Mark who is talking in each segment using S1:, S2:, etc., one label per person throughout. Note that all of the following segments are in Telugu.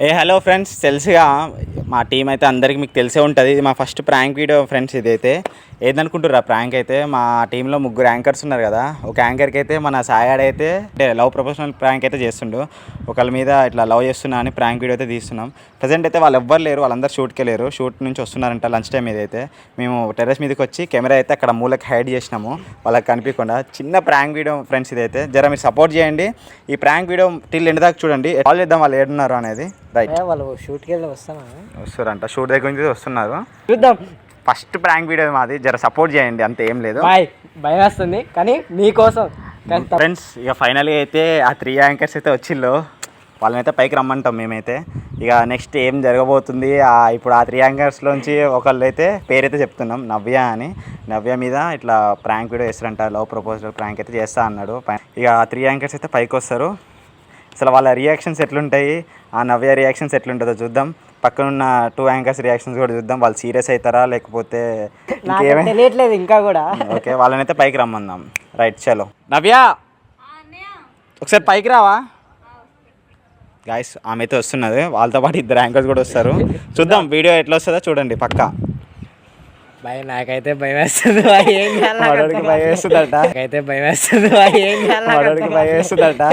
S1: హలో ఫ్రెండ్స్, తెలుసుగా మా టీం అయితే అందరికీ మీకు తెలిసే ఉంటుంది. ఇది మా ఫస్ట్ ప్రాంక్ వీడియో ఫ్రెండ్స్. ఇదైతే ఏదనుకుంటారా ప్రాంక్ అయితే మా టీంలో 3 యాంకర్స్ ఉన్నారు కదా. ఒక యాంకర్కి అయితే మన సాయాడ్ అయితే లవ్ ప్రొఫెషనల్ ప్రాంక్ అయితే చేస్తుండు. ఒకళ్ళ మీద ఇట్లా లవ్ చేస్తున్నా అని ప్రాంక్ వీడియో అయితే తీస్తున్నాం. ప్రజెంట్ అయితే వాళ్ళు ఎవ్వరు లేరు, వాళ్ళందరూ షూట్కి వెళ్ళారు. షూట్ నుంచి వస్తున్నారంట లంచ్ టైం ఇదైతే. మేము టెర్రస్ మీదకి వచ్చి కెమెరా అయితే అక్కడ మూలకి హైడ్ చేసినాము వాళ్ళకి కనిపించకుండా. చిన్న ప్రాంక్ వీడియో ఫ్రెండ్స్ ఇదైతే. జర మీరు సపోర్ట్ చేయండి. ఈ ప్రాంక్ వీడియో టిల్ ఎండ్ దాకా చూడండి. కాల్ చేద్దాం వాళ్ళు ఏడున్నారు అనేది. రైట్,
S2: వాళ్ళు షూట్కి వెళ్ళి
S1: వస్తారంట. షూట్ దగ్గర నుంచి వస్తున్నారు.
S2: చూద్దాం.
S1: ఫస్ట్ ప్రాంక్ వీడియో మాది, జర సపోర్ట్ చేయండి. అంతే, ఏం లేదు.
S2: భయం వేస్తుంది కానీ మీకోసం.
S1: ఫ్రెండ్స్ ఇక ఫైనల్గా అయితే ఆ 3 యాంకర్స్ అయితే వచ్చిళ్ళు. వాళ్ళనైతే పైకి రమ్మంటాం మేమైతే. ఇక నెక్స్ట్ ఏం జరగబోతుంది, ఇప్పుడు ఆ 3 యాంకర్స్లోంచి ఒకళ్ళు అయితే పేరైతే చెప్తున్నాం, నవ్య అని. నవ్య మీద ఇట్లా ప్రాంక్ వీడియో చేస్తారంట, లవ్ ప్రపోజల్ ప్రాంక్ అయితే చేస్తా అన్నాడు. ఇక ఆ 3 యాంకర్స్ అయితే పైకి వస్తారు. అసలు వాళ్ళ రియాక్షన్స్ ఎట్లుంటాయి, ఆ నవ్య రియాక్షన్స్ ఎట్లుంటుందో చూద్దాం. పక్కనున్న 2 యాంకర్స్ రియాక్షన్స్ కూడా చూద్దాం. వాళ్ళు సీరియస్ అవుతారా లేకపోతే ఇంకేమీ
S2: తెలియట్లేదు ఇంకా కూడా.
S1: ఓకే, వాళ్ళనైతే పైకి రమ్మందాం. రైట్, చలో. నవ్య ఒకసారి పైకి రావా గాయస్. ఆమె అయితే వస్తున్నది, వాళ్ళతో పాటు 2 యాంకర్స్ కూడా వస్తారు. చూద్దాం వీడియో ఎట్లా వస్తుందో చూడండి. పక్కా
S2: నాకైతే భయం వేస్తుంది.
S1: భయం వేస్తుందట.
S2: నాకైతే భయం వేస్తుంది.
S1: భయం వేస్తుందట.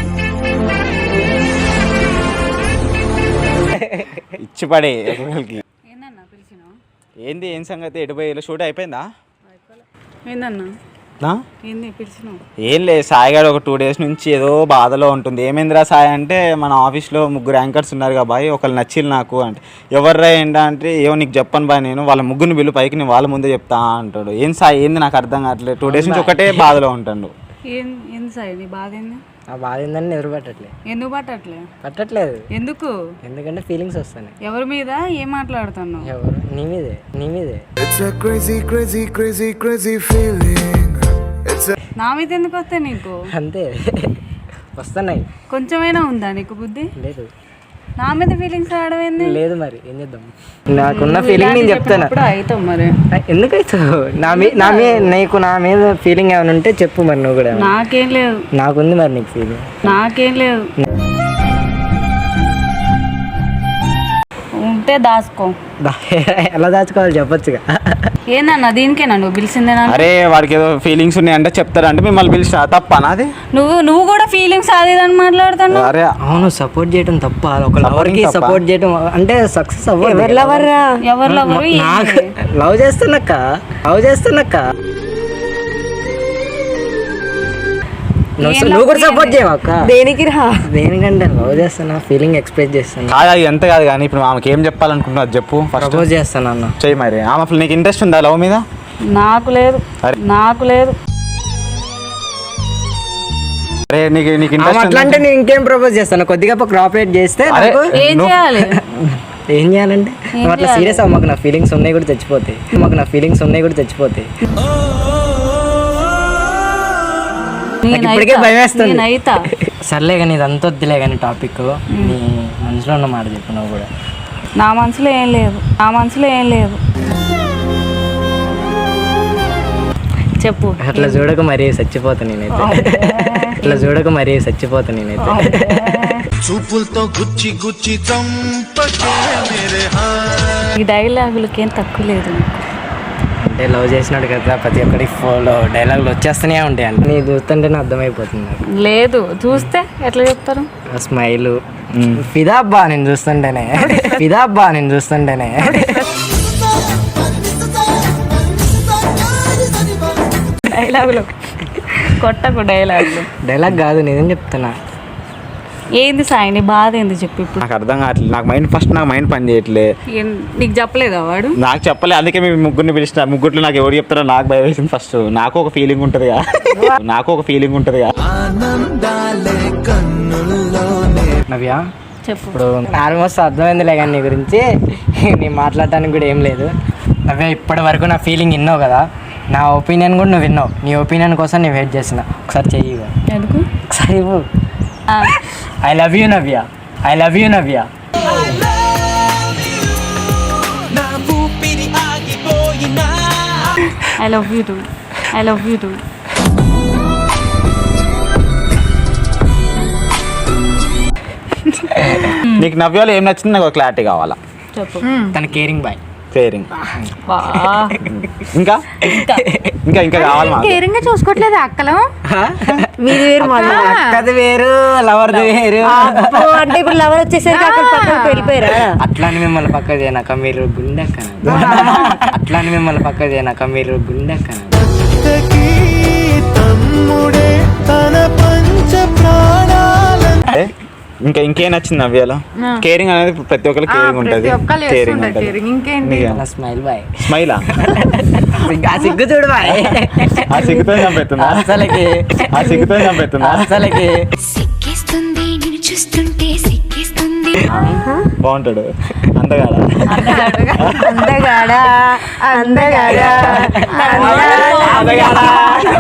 S1: ఇచ్చిపడే ఏంది, ఏం సంగతి, ఎటుపోయి షూట్ అయిపోయిందా? ఏం లేదు, సాయి గారు ఒక 2 డేస్ నుంచి ఏదో బాధలో ఉంటుంది. ఏమైందిరా సాయి అంటే, మన ఆఫీస్లో 3 యాంకర్స్ ఉన్నారు కదా బాయ్, ఒకళ్ళు నచ్చిలు నాకు అంటే. ఎవర్రా ఏంటా అంటే, ఏమో నీకు చెప్పను బాయ్, నేను వాళ్ళ ముగ్గురిని బిల్లు పైకి నేను వాళ్ళ ముందే చెప్తా అంటాడు. ఏం సాయి ఏంది నాకు అర్థం కావట్లేదు. 2 డేస్ నుంచి ఒకటే బాధలో ఉంటాడు.
S2: బాధ ఏందని ఎదురు పట్టట్లేదు.
S3: ఎందుకు
S2: పట్టట్లేదు?
S3: ఎందుకు?
S2: ఎందుకంటే ఫీలింగ్స్ వస్తాయి.
S3: ఎవరి మీద ఏం మాట్లాడుతున్నావు?
S2: ఎవరు? నీ మీదే.
S3: నా మీద ఎందుకు వస్తాయి నీకు?
S2: అంతే, వస్తున్నాయి.
S3: కొంచెమైనా ఉందా నీకు బుద్ధి?
S2: లేదు.
S3: నా మీద ఫీలింగ్స్ రావడం
S2: లేదు. మరి ఏం చేద్దాం? నాకున్న ఫీలింగ్ నేను చెప్తాను.
S3: అవుతావు మరి.
S2: ఎందుకు అవుతావు? నీకు నా మీద ఫీలింగ్ ఏమైనా ఉంటే చెప్పు మరి. నువ్వు కూడా.
S3: నాకేం లేదు.
S2: నాకుంది మరి నీకు ఫీలింగ్.
S3: నాకేం లేదు. ఉంటే దాచుకో.
S2: ఎలా దాచుకోవాలి చెప్పొచ్చుగా.
S3: ఏందన్నా దీనికేనా నువ్వు పిలిచిందేనా?
S1: అరే వాడికి ఏదో ఫీలింగ్స్ ఉన్నాయంటే చెప్తారంటే మిమ్మల్ని పిలిచిన తప్పనా? అది
S3: నువ్వు కూడా ఫీలింగ్స్ అది అని మాట్లాడుతున్నావు.
S1: అరే
S2: అవును, సపోర్ట్ చేయడం తప్ప. ఒక లవర్ కి సపోర్ట్ చేయడం అంటే సక్సెస్ అవ్వాలి.
S3: ఎవరు లవర్?
S2: లవ్ చేస్తున్నక్క నువ్వు కూడా సపోర్ట్ చేయవక్క.
S3: దేనికి రా?
S2: దేనికంటే లవ్ చేస్తున్నా, ఫీలింగ్ ఎక్స్ప్రెస్ చేస్తాను.
S1: కాదు, అది ఎంత కాదు కానీ ఇప్పుడు ఆమెకి ఏం చెప్పాలనుకుంటున్నావు చెప్పు.
S2: ప్రపోజ్ చేస్తాను అన్న.
S1: చెయ్యి మరి. ఆమె అసలు నీకు ఇంట్రెస్ట్ ఉందా లవ్ మీద?
S3: నాకు లేదు.
S1: అరే నీకు ఇంట్రెస్ట్
S2: అట్లా అంటే నేను ఇంకేం ప్రపోజ్ చేస్తాను. కొద్దిగా కోఆపరేట్ చేస్తే
S3: ఏం చేయాలి?
S2: ఏం చేయాలంటే అట్లా సీరియస్ అవ్వ. మాకు నా ఫీలింగ్స్ ఉన్నాయి కూడా చచ్చిపోతాయి. నాకు ఇప్పటికే భయం వేస్తుంది. సర్లే కానీ ఇదంతా వద్దులే కానీ టాపిక్. నీ మనసులో ఉన్న మాట చెప్పు. నువ్వు కూడా.
S3: నా మనసులో ఏం లేదు. చెప్పు.
S2: అట్లా చూడక మరీ చచ్చిపోతా నేనైతే.
S4: చూపులతో గుచ్చి
S3: ఈ డైలాగులకి ఏం తక్కువ లేదు.
S2: అంటే లవ్ చేసినాడు కదా, ప్రతి ఒక్కరికి ఫోన్లో డైలాగులు వచ్చేస్తూనే ఉంటాయి. అంటే నీ చూస్తుంటేనే అర్థమైపోతుంది.
S3: లేదు, చూస్తే ఎట్లా చెప్తారు?
S2: స్మైల్ ఫిదాబ్బా నేను చూస్తుంటేనే.
S3: డైలాగులు కొట్టకు.
S2: డైలాగ్ కాదు, నేనేం చెప్తున్నా.
S3: ఏంది సాయి నీ బాధ ఏంది చెప్పు ఇప్పుడు.
S1: నాకు అర్థం కావట్లేదు. నాకు మైండ్ పని చేయట్లే.
S3: నీకు చెప్పలేదా వాడు?
S1: నాకు చెప్పలే, అందుకే మేము ముగ్గురిని పిలిచిన. ముగ్గురిలో నాకు ఎవరు చెప్తారో నాకు భయం వేసింది ఫస్ట్. నాకు ఒక ఫీలింగ్ ఉంటుందిగా.
S2: నవ్య
S3: చెప్పు.
S2: ఇప్పుడు ఆల్మోస్ట్ అర్థమైందిలే కానీ నీ గురించి. నేను మాట్లాడటానికి కూడా ఏం లేదు. నవ్య ఇప్పటి వరకు నా ఫీలింగ్ విన్నావు కదా, నా ఒపీనియన్ కూడా నువ్వు విన్నావు. నీ ఒపీనియన్ కోసం నేను వెయిట్ చేస్తున్నా. ఒకసారి చెయ్యి.
S3: ఎందుకు?
S2: ఒకసారి ఇవ్వు. I love you Navya. I love you Navya.
S1: నీకు నవ్యాలో ఏం నచ్చింది నాకు క్లారిటీ కావాలా.
S3: చెప్పు.
S2: తన కేరింగ్ బాయ్.
S1: కేరింగ్.
S3: బా.
S1: ఇంకా ఇంకా ఇంకా కావాలి మాకు.
S5: కేరింగ్ గా చూసుకోవట్లేదు అక్కలు. మీది వేరు మాది
S2: అక్కది వేరు, లవర్ది వేరు.
S5: అంటే ఇప్పుడు లవర్ వచ్చేసరికి అక్కడ పక్కన వెళ్ళిపోయారా?
S2: అట్లా అని మిమ్మల్ని పక్క చేయనాక మీరు గుండెక్కన. అట్లా అని మిమ్మల్ని పక్క చేయనాక మీరు గుండెక్కన.
S1: ఇంకా ఇంకేం నచ్చింది నవ్యాలో? కేరింగ్ అనేది ప్రతి ఒక్కరికి కేరింగ్ ఉంటుంది. కేరింగ్ ఉంటుంది.
S5: ఇంకేంటి?
S2: Smile boy.
S1: స్మైలా?
S2: ఆ సిగ్గు చూడు బాయ్.
S1: ఆ సిగ్గుతో చంపెత్తుందా?
S2: అసలకి
S1: ఆ సిగ్గుతో చంపెత్తుందా?
S2: అసలకి
S6: సిక్కిస్తుంది నిన్ను చూస్తుంటే సిక్కిస్తుంది.
S1: బాగుంటాడు అందగాడ.
S5: అందగాడా అందగాడా అందగాడా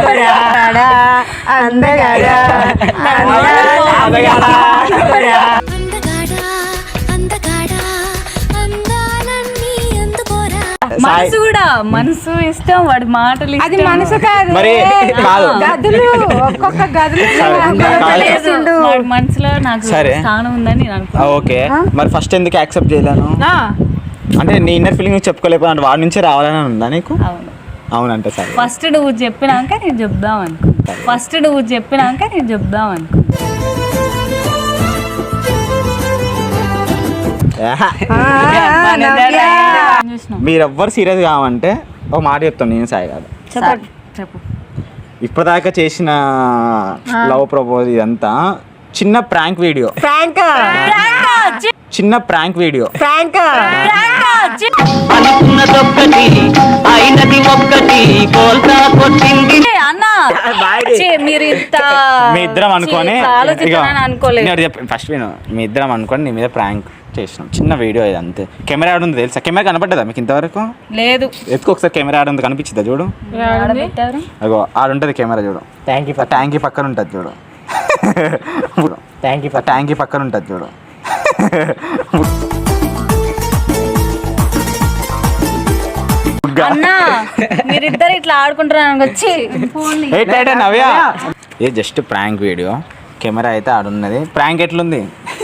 S5: అందగాడా
S6: అందగాడా అందగాడా అందాలన్నీ అందుకోరా.
S3: మనసు కూడా, మనసు ఇష్టం, వాడి మాటలు
S5: అది
S3: ఇష్టం.
S5: మనసు కాదు,
S1: మరి కాదు.
S5: గదులు ఒక్కొక్క గదులు
S3: లేదు, వాడి మనసులో నాకు
S1: సరే.
S3: స్థానం ఉందని నేను అనుకున్నాను.
S1: ఓకే, మరి ఫస్ట్ ఎందుకు యాక్సెప్ట్ చేయలేను? అంటే నీ ఇన్నర్ ఫీలింగ్ చెప్పుకోలేకపోతే అంటే వాడి నుంచే రావాలని ఉందా నీకు?
S3: అవును.
S1: అవునంటే సరే.
S3: ఫస్ట్ నువ్వు చెప్పినాక నేను చెప్దాం అనుకుంటా. ఫస్ట్ నువ్వు చెప్పినాక నేను చెప్దాం అనుకుంటా. చూసినాం.
S1: మీరెవ్వరు సీరియస్ కావంటే ఒక మాట చెప్తాను నేను, సాయి కాదు.
S3: చెప్పు.
S1: ఇప్పటిదాకా చేసిన లవ్ ప్రపోజ్ ఇదంతా చిన్న ప్రాంక్ వీడియో. చిన్న ప్రాంక్ వీడియో.
S7: అనుకున్నదొక్కటి అయినది ఒక్కటి కోల్తా కొట్టింది.
S3: అన్న మీరు ఇంత
S1: మీ ఇద్దరం అనుకొని
S3: ఆలోచిస్తానని అనుకోలేదు.
S1: ఫస్ట్ మీ ఇద్దరం అనుకొని నీ మీద ప్రాంక్ చేసినాం. చిన్న వీడియో ఇది అంతే. కెమెరా ఆడుంది తెలుసా? కెమెరా కనపడ్డదా మీకు ఇంతవరకు?
S3: లేదు.
S1: ఎత్తుకు ఒకసారి కెమెరా ఆడుంది కనిపించిందా చూడు?
S3: పెట్టారు.
S1: అగో ఆడుంటది కెమెరా చూడు.
S2: Thank you.
S1: ట్యాంకీ పక్కన ఉంటుంది చూడు.
S2: Thank you.
S1: ట్యాంకీ పక్కన ఉంటుంది చూడు.
S3: అన్న మీరిద్దరు ఇట్లా ఆడుకుంటున్నాను వచ్చి ఫోన్
S1: ఏంటంటే నవ్య, ఇది జస్ట్ ప్రాంక్ వీడియో. కెమెరా అయితే ఆడున్నది. ప్రాంక్ ఎట్లుంది?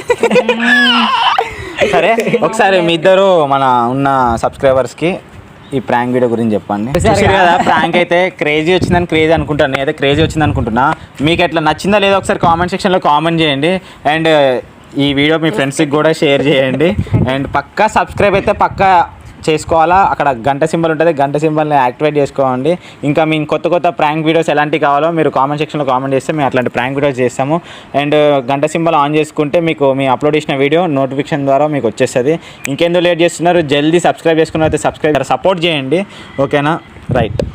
S1: సరే ఒకసారి మీ ఇద్దరు మన ఉన్న సబ్స్క్రైబర్స్కి ఈ ప్రాంక్ వీడియో గురించి చెప్పండి. చూసారు కదా, ప్రాంక్ అయితే క్రేజీ వచ్చిందని క్రేజీ అనుకుంటాను. నేనైతే క్రేజీ వచ్చింది అనుకుంటున్నా. మీకు ఎట్లా నచ్చిందా లేదో ఒకసారి కామెంట్ సెక్షన్లో కామెంట్ చేయండి. అండ్ ఈ వీడియో మీ ఫ్రెండ్స్కి కూడా షేర్ చేయండి. అండ్ పక్కా సబ్స్క్రైబ్ అయితే పక్కా చేసుకోవాలా. అక్కడ గంట సింబల్ ఉంటుంది, గంట సింబల్ని యాక్టివేట్ చేసుకోండి. ఇంకా మేము కొత్త కొత్త ప్రాంక్ వీడియోస్ ఎలాంటివి కావాలో మీరు కామెంట్ సెక్షన్లో కామెంట్ చేస్తే మేము అట్లాంటి ప్రాంక్ వీడియోస్ చేస్తాము. అండ్ గంట సింబల్ ఆన్ చేసుకుంటే మీకు మీ అప్లోడ్ చేసిన వీడియో నోటిఫికేషన్ ద్వారా మీకు వచ్చేస్తుంది. ఇంకెందుకు లేట్ చేస్తున్నారు, జల్దీ సబ్స్క్రైబ్ చేసుకున్న అయితే సబ్స్క్రైబ్ సపోర్ట్ చేయండి. ఓకేనా? రైట్.